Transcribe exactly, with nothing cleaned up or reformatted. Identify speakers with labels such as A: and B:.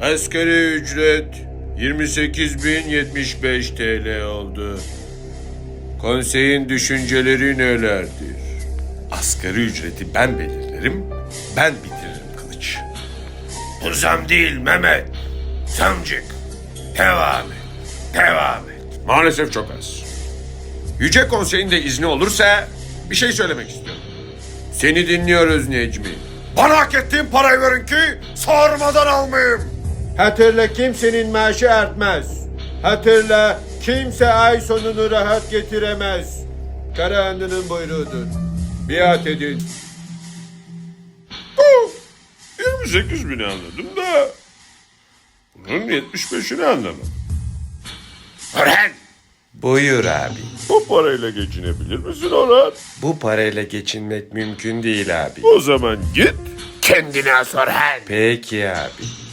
A: Asgari ücret yirmi sekiz bin yetmiş beş T L oldu. Konseyin düşünceleri nelerdir?
B: Asgari ücreti ben belirlerim, ben bitiririm Kılıç.
A: Bu zam değil Mehmet. Zamcık. Devam et. Devam et.
B: Maalesef çok az. Yüce Konsey'in de izni olursa bir şey söylemek istiyorum.
A: Seni dinliyoruz Necmi.
B: Bana hak ettiğim parayı verin ki sormadan almayayım.
A: Hatırla kimsenin maaşı artmaz. Hatırla kimse ay sonunu rahat getiremez. Karahanlı'nın buyruğudur. Biat edin.
B: yirmi sekiz bini anladım da bunun yetmiş beşini anlamadım.
A: Orhan.
C: Buyur abi.
B: Bu parayla geçinebilir misin Orhan?
C: Bu parayla geçinmek mümkün değil abi.
B: O zaman git kendine sor Orhan.
C: Peki abi.